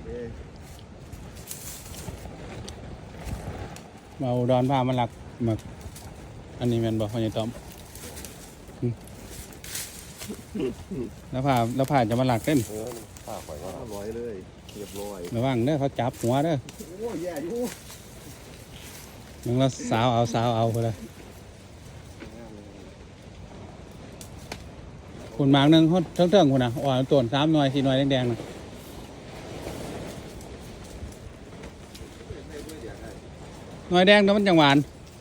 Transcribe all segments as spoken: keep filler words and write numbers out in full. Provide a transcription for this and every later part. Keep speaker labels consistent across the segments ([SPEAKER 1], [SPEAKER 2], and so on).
[SPEAKER 1] มาอุดรพามาหลักหมึกอันนี้แม่นบอกพ่อใหญ่ต้อมแล้วพาแล้วพาจะมาหลักเต้น
[SPEAKER 2] เออฝากไว้ว่าอร่อยเลยเรียบร้อย
[SPEAKER 1] ระวังเด้อเขาจับหัวเด้อ
[SPEAKER 2] โอ้ยแย่อยู่
[SPEAKER 1] มึงแล้วสาวเอาสาวเอาไปเลยคุณหมากหนึ่งเขาเทิงๆคุณนะอ่อนต้นสามหน่วยสี่หน่วยแดงๆนะหน่วยแดงแล้วมันจังหวาน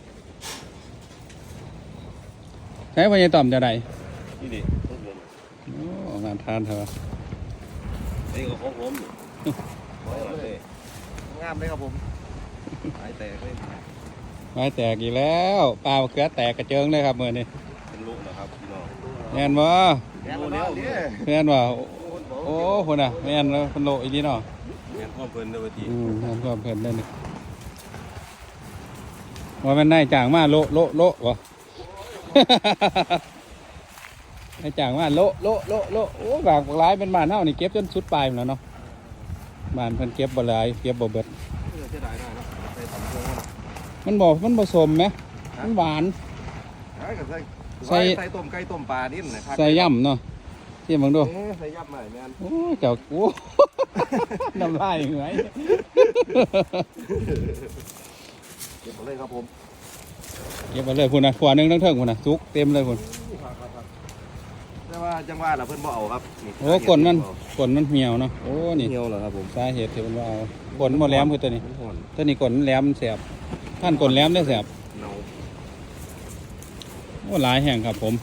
[SPEAKER 1] ใช้พญาต่อมจะได้
[SPEAKER 2] นี่ดิของผม
[SPEAKER 1] โอ้งานทานเถอะ
[SPEAKER 2] นี่ก็ของผมร้อยเลยงามเลยครับผมหายแตกเลย
[SPEAKER 1] ไม้แตกอีกแล้วปลาเกลือแตกกระเจิงเลยครับเมื่อนี้
[SPEAKER 2] เป็นลูกนะครับพี่น้อง
[SPEAKER 1] แม่นบ่
[SPEAKER 2] แม่นแล้วเนี่ย
[SPEAKER 1] แม่นบ่โอ้คนน่ะแม่นแล้วคนโลอีนี่เนาะ
[SPEAKER 2] แม่นพ่อเพิ่นเด้อที
[SPEAKER 1] อืมแม่นก็เพิ่นได้นี่ว่ามันได้จ่างมาโลโลโลวะ ได้จ่างมาโลโลโลโลโอ้บากหลายเป็นบ้านเฮานี่เก็บจนสุดปลายหมดแล้วเนาะบ้านเพิ่นเก็บบ่หลายเก็บบ่เบิด
[SPEAKER 2] เสียดายได้นะใส่ตำโค้งนะ
[SPEAKER 1] มันบ่มันผสมไหมมันหวาน
[SPEAKER 2] ใช่กับใส่
[SPEAKER 1] ใส่
[SPEAKER 2] ใส่ต้มไก่ต้มปลานิ่มนะครับ
[SPEAKER 1] ใส่ย่ำเนาะที่มึงดู
[SPEAKER 2] เอ๊ะใส่ย่ำใหม่แม่น
[SPEAKER 1] โอ้เจ้าโอ้ น้ำลายเหงื่อย
[SPEAKER 2] เก็บหมดเลยครับผม
[SPEAKER 1] เก็บไปเลยคุณนะขวานึงทั้งเทิงคุณนะซุกเต็มเลยคุณ
[SPEAKER 2] แต่ว่าจังหวะเราเพิ่นบ่เอาครับ
[SPEAKER 1] โอ้กลนมันกลนมันเหี่ยวเนาะโอ้นี่
[SPEAKER 2] เหี่ยวเหรอครับผม
[SPEAKER 1] สาเหตุที่มันว่าเอากลนบ่แหลมคือตัวนี้
[SPEAKER 2] มันห่อน
[SPEAKER 1] ตัวนี้กลนแหลมแสบท่านกลนแหลมได้แสบ
[SPEAKER 2] เนา
[SPEAKER 1] โอ้หลายแห่งครับผม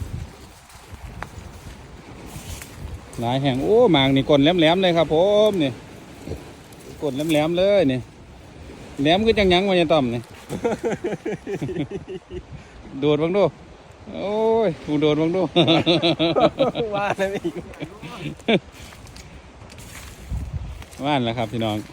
[SPEAKER 1] หลายแห่งโอ้หมากนี่กลนแหลมๆเลยครับผมนี่กลนแหลมๆเลยนี่แหลมคือจังหยังวะเนี่ยต้อมนี่ โดดบังดูโอ้ยกูโดดบังดู
[SPEAKER 2] ว่าแล้วอีก
[SPEAKER 1] ว่านแล้วครับพี่น้อง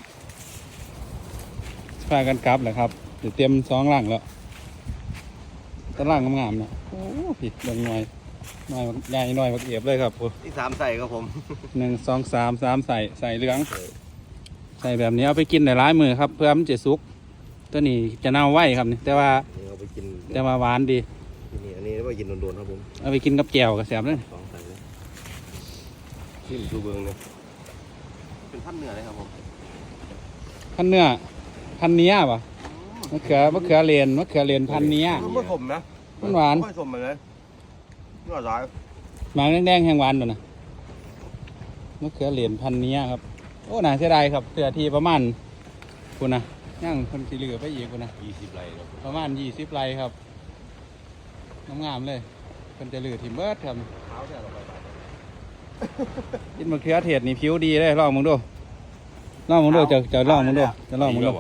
[SPEAKER 1] พากันกลับแล้วครับเดี๋ยวเตรียมสองหลังแล้วตะล่างงามๆนะโอ้ผิดบางหน่อยหน่อยใหญ่หน่อยบักเอียบเลยครับ
[SPEAKER 2] ที่สามใส่ครับผม
[SPEAKER 1] หนึ่งสองสามสามใส่ใส่เหลืองใส่แบบนี้เอาไปกินในร้ายมือครับเพื่อมันจะสุกตัวนี้จะเน่าไว้ครับนี่แต่ว่า
[SPEAKER 2] นี่เอาไปกิน
[SPEAKER 1] แต่ว่าหวานดี
[SPEAKER 2] นี่อันนี้เอาไปกินโดนๆครับผม
[SPEAKER 1] เอาไปกินกับแจ่วกับแสบเลย
[SPEAKER 2] สองใส่เลยชิมดูเบิ้งเนี่ยเป็นพันเนื้อเลยครับผม
[SPEAKER 1] พันเนื้อพันเนี้ยป่ะมะเขือมะเขือเลนมะเขือเลนพันเนี้ย
[SPEAKER 2] มันผสมนะ
[SPEAKER 1] มันหวาน
[SPEAKER 2] ไม่ผสมเลยเนื้อร้าย
[SPEAKER 1] หมากแดงๆแห้งหวานตัวนะมะเขือเลนพันเนี้ยครับโอ้น่าเสียดายครับเสือทีประมาณคุณนะย่างคนสีเหลือไปอีกคุณนะ
[SPEAKER 2] ยี่สิบไรครับ
[SPEAKER 1] ประมาณยี่สิบไรครับงามๆเลยคนจะเหลือทีเบิร์ดครับ
[SPEAKER 2] เท้าเนี่ยเราไปไป
[SPEAKER 1] กินมะเขือเทศนี่ผิวดีเลยลองมึงดูลองมึงดูจะจะลองมึงดูจะลองมึงดู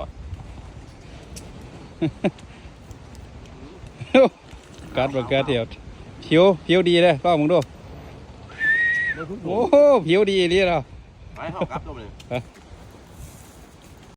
[SPEAKER 1] กัดมะเขือเทศผิวผิวดีเลยลองมึงดูโอ้โหผิวดีดีแล้ว
[SPEAKER 2] ไปเข้ากับตัวเลย